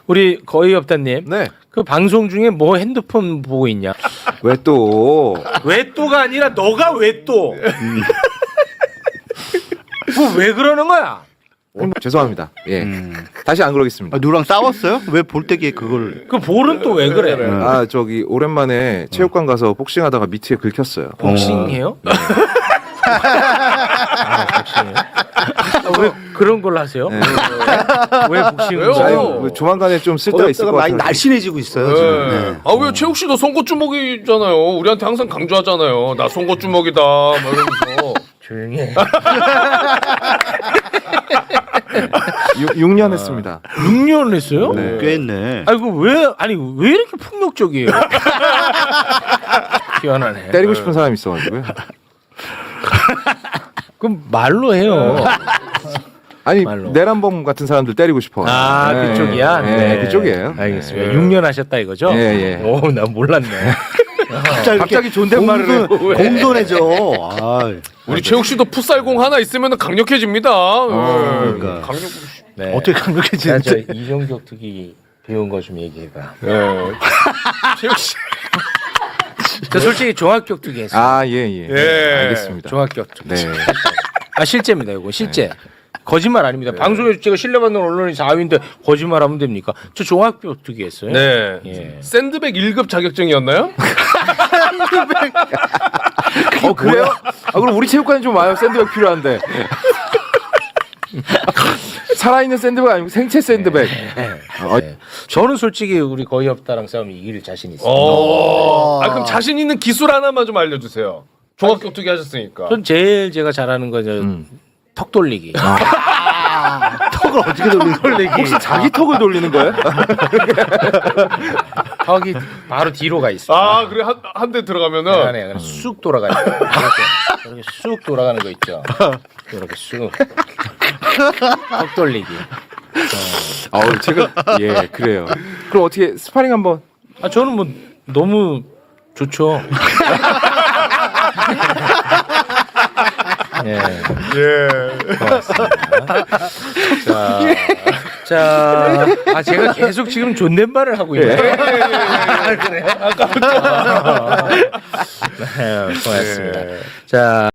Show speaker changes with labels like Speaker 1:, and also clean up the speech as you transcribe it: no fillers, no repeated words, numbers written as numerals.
Speaker 1: 우리 거의 없다님.
Speaker 2: 네.
Speaker 1: 그 방송 중에 뭐 핸드폰 보고 있냐?
Speaker 2: 왜 또?
Speaker 1: 왜 또가 아니라 너가 왜 또? 왜 그러는 거야?
Speaker 2: 죄송합니다. 예. 다시 안 그러겠습니다.
Speaker 3: 아, 누구랑 싸웠어요? 왜 볼때기에 그걸?
Speaker 1: 그 볼은 또 왜 그래?
Speaker 2: 아 저기 오랜만에 체육관 가서 복싱하다가 미트에 긁혔어요.
Speaker 1: 복싱해요? 아, 복싱해요? 왜 그런 걸 하세요?
Speaker 2: 네.
Speaker 1: 왜 복싱을
Speaker 4: 왜요?
Speaker 1: 해요?
Speaker 2: 아니, 조만간에 좀 쓸데가 있을 것
Speaker 3: 많이
Speaker 2: 같아요.
Speaker 3: 날씬해지고 있어요 지금. 네.
Speaker 4: 아왜 최욱 씨도 송곳 주먹이잖아요. 우리한테 항상 강조하잖아요. 나 송곳 주먹이다. 막 이러면서.
Speaker 1: 조용히 해.
Speaker 2: 6년 했습니다.
Speaker 1: 6년 했어요?
Speaker 2: 네.
Speaker 3: 꽤 했네.
Speaker 1: 아이고 왜 이렇게 폭력적이에요? 희한하네.
Speaker 2: 때리고 싶은 사람이 있어가지고요.
Speaker 1: 그럼 말로 해요.
Speaker 2: 아니
Speaker 1: 말로.
Speaker 2: 내란범 같은 사람들 때리고 싶어.
Speaker 1: 아
Speaker 2: 네.
Speaker 1: 그쪽이야?
Speaker 2: 네, 그쪽이에요.
Speaker 1: 알겠습니다. 6년 하셨다 이거죠?
Speaker 2: 예, 예.
Speaker 1: 오, 난 몰랐네.
Speaker 2: 갑자기 존댓말을 해.
Speaker 3: 공돈해져. 아,
Speaker 4: 우리 최욱 씨도 풋살공 하나 있으면 강력해집니다.
Speaker 3: 그러니까.
Speaker 4: 강력.
Speaker 1: 네.
Speaker 3: 어떻게
Speaker 1: 자,
Speaker 3: 강력해지는지.
Speaker 1: 저 이종격 특기 배운 거 좀 얘기해봐.
Speaker 4: 최욱 씨.
Speaker 1: 저 솔직히 종합격 특기 했어요.
Speaker 2: 아, 예, 예.
Speaker 4: 예.
Speaker 2: 알겠습니다.
Speaker 1: 종합격 특기.
Speaker 2: 네.
Speaker 1: 아 실제입니다. 이거 실제. 거짓말 아닙니다. 방송에서 제가 신뢰받는 언론이 4위인데 거짓말하면 됩니까? 저 종합격 특기 했어요.
Speaker 4: 네.
Speaker 1: 예.
Speaker 4: 샌드백 1급 자격증이었나요?
Speaker 2: 그래요? 아, 그럼 우리 체육관에 좀 와요. 샌드백 필요한데. 살아있는 샌드백 아니고 생체 샌드백.
Speaker 1: 네. 저는 솔직히 우리 거의 없다랑 싸우면 이길 자신 있어요.
Speaker 4: 그럼 자신 있는 기술 하나만 좀 알려주세요. 종합격투기 하셨으니까.
Speaker 1: 전 제일 제가 잘하는 거는 턱 돌리기.
Speaker 3: 턱을 어떻게 돌리는
Speaker 2: 혹시 자기 턱을 돌리는 거예요?
Speaker 1: 턱이 바로 뒤로 가 있어.
Speaker 4: 아 그래 한 대 들어가면은
Speaker 1: 네, 그냥 쑥 돌아가요. 이렇게 쑥 돌아가는 거 있죠. 이렇게 쑥. 턱 돌리기.
Speaker 2: 제가 예 그래요. 그럼 어떻게 스파링 한번?
Speaker 1: 아 저는 뭐 너무 좋죠. 예. 고맙습니다. 자, 제가 계속 지금 존댓말을 하고 있네요. 그래. 아까부터. 네, 고맙습니다. 자.